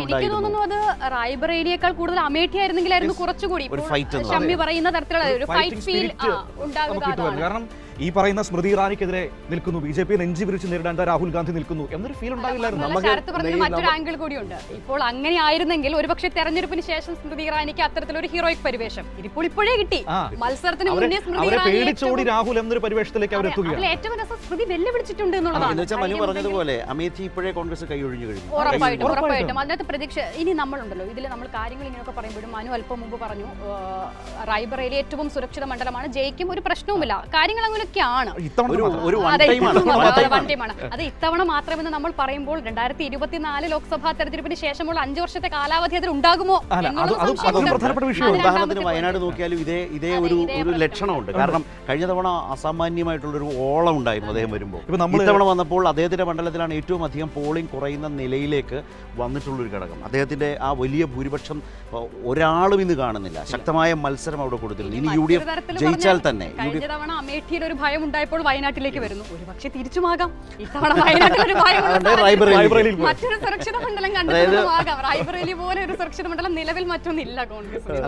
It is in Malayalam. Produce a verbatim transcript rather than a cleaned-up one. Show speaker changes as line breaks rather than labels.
എനിക്ക് തോന്നുന്നു അത് റായ്ബറേലിയേക്കാൾ കൂടുതൽ അമേഠി ആയിരുന്നെങ്കിലായിരുന്നു കുറച്ചുകൂടി ഷമ്മി പറയുന്ന തരത്തിലുള്ള ഒരു ഫൈറ്റ് ഫീൽ ഉണ്ടാകുക.
കാരണം ഈ പറയുന്ന സ്മൃതി ഇറാനിക്കെതിരെ നിൽക്കുന്നു, ബി ജെ പി നെഞ്ചി വിരിച്ച് നേരിടാൻ രാഹുൽ ഗാന്ധി നിൽക്കുന്നു എന്നൊരു ഫീൽ ഉണ്ടാകില്ലായിരുന്നു.
മറ്റൊരു ആംഗിൾ കൂടിയുണ്ട്. ഇപ്പോൾ അങ്ങനെ ആയിരുന്നെങ്കിൽ ഒരുപക്ഷെ തെരഞ്ഞെടുപ്പിന് ശേഷം സ്മൃതി ഇറാനിക്ക് അത്തരത്തിലൊരു ഹീറോയിക് പരിവേഷം ഇതിപ്പോൾ ഇപ്പോഴേ കിട്ടി. മത്സരത്തിന് മുന്നേ സ്മൃതി
പേടിച്ചോടി രാഹുൽ എന്നൊരു പരിവേഷത്തിലേക്ക് അവർ എത്തുകയാണ്.
ഏറ്റവും രസം സ്മൃതി വെല്ലുവിളിച്ചിട്ടുണ്ട് എന്നുള്ളതാണ്.
മനു പറഞ്ഞതുപോലെ അമേഠി ഇപ്പോഴേ കോൺഗ്രസ് കൈയൊഴിഞ്ഞു കഴിഞ്ഞു.
ഉറപ്പായിട്ടും ഉറപ്പായിട്ടും അതിനകത്ത് പ്രതീക്ഷ. ഇനി നമ്മളുണ്ടല്ലോ ഇതിൽ നമ്മൾ കാര്യങ്ങൾ ഇങ്ങനെയൊക്കെ പറയുമ്പോഴും മനു അല്പം മുമ്പ് പറഞ്ഞു റായ്ബറേലി ഏറ്റവും സുരക്ഷിത മണ്ഡലമാണ്, ജയിക്കും, ഒരു പ്രശ്നവുമില്ല, കാര്യങ്ങൾ അങ്ങനെയൊക്കെയാണ്. അത് ഇത്തവണ മാത്രമെന്ന് നമ്മൾ പറയുമ്പോൾ രണ്ടായിരത്തി ഇരുപത്തിനാല് ലോക്സഭാ തെരഞ്ഞെടുപ്പിന് ശേഷമുള്ള അഞ്ചു വർഷത്തെ കാലാവധി അതിൽ ഉണ്ടാകുമോ?
ഉദാഹരണത്തിന് വയനാട് നോക്കിയാലും ഇതേ ഇതേ ഒരു ഒരു ലക്ഷണമുണ്ട്. കാരണം കഴിഞ്ഞ തവണ അസാമാന്യമായിട്ടുള്ളൊരു ഓളം ഉണ്ടായിരുന്നു അദ്ദേഹം വരുമ്പോൾ. ഇത്തവണ വന്നപ്പോൾ അദ്ദേഹത്തിന്റെ മണ്ഡലത്തിലാണ് ഏറ്റവും അധികം പോളിംഗ് കുറയുന്ന നിലയിലേക്ക് വന്നിട്ടുള്ളൊരു ഘടകം. അദ്ദേഹത്തിന്റെ ആ വലിയ ഭൂരിപക്ഷം ഒരാളും ഇന്ന് കാണുന്നില്ല. ശക്തമായ മത്സരം അവിടെ കൊടുത്തിട്ടുണ്ട്. ഇനി യു ഡി എഫ് ജയിച്ചാൽ തന്നെ
കഴിഞ്ഞ തവണ അമേഠിയിൽ ഒരു ഭയം ഉണ്ടായപ്പോൾ വയനാട്ടിലേക്ക് വരുന്നു. ഒരു പക്ഷേ തിരിച്ചുമാകാം ഇത്തവണ വയനാട്ടിൽ ഒരു ഭയം, മറ്റൊരു സുരക്ഷിത മണ്ഡലം കണ്ടെത്തുന്നതുമാകാം. റായ്ബറേലി പോലെ ഒരു സുരക്ഷിത മണ്ഡലം നിലവിൽ മറ്റൊന്നില്ല കോൺഗ്രസ്.